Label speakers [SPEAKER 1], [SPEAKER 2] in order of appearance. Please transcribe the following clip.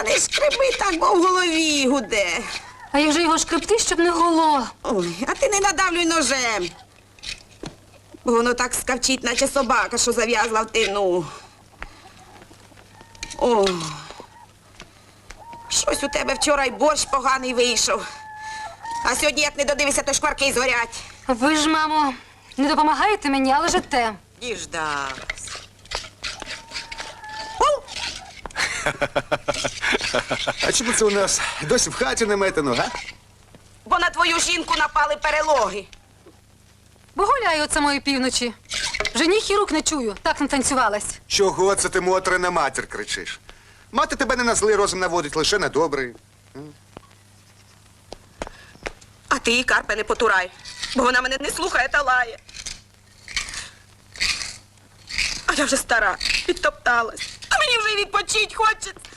[SPEAKER 1] не шкреби так, бо в голові гуде.
[SPEAKER 2] А як же його шкребти, щоб не гуло?
[SPEAKER 1] Ой, а ти не надавлюй ножем. Бо воно так скавчить, наче собака, що зав'язла в тину. О, щось у тебе вчора й борщ поганий вийшов. А сьогодні, як не додивишся, то шкварки згорять.
[SPEAKER 2] Ви ж, мамо, не допомагаєте мені, а лежите.
[SPEAKER 1] Діждався.
[SPEAKER 3] А чому це у нас досі в хаті не метено, га?
[SPEAKER 1] Бо на твою жінку напали перелоги.
[SPEAKER 2] Бо гуляю от самої півночі. Вже ніг і рук не чую, так натанцювалась.
[SPEAKER 3] Чого це ти, Мотре, на матір кричиш? Мати тебе не на злий розум наводить, лише на добрий.
[SPEAKER 1] А ти її, Карпе, не потурай, бо вона мене не слухає та лає. А я вже стара, підтопталась. А мені вже й відпочить хочеться.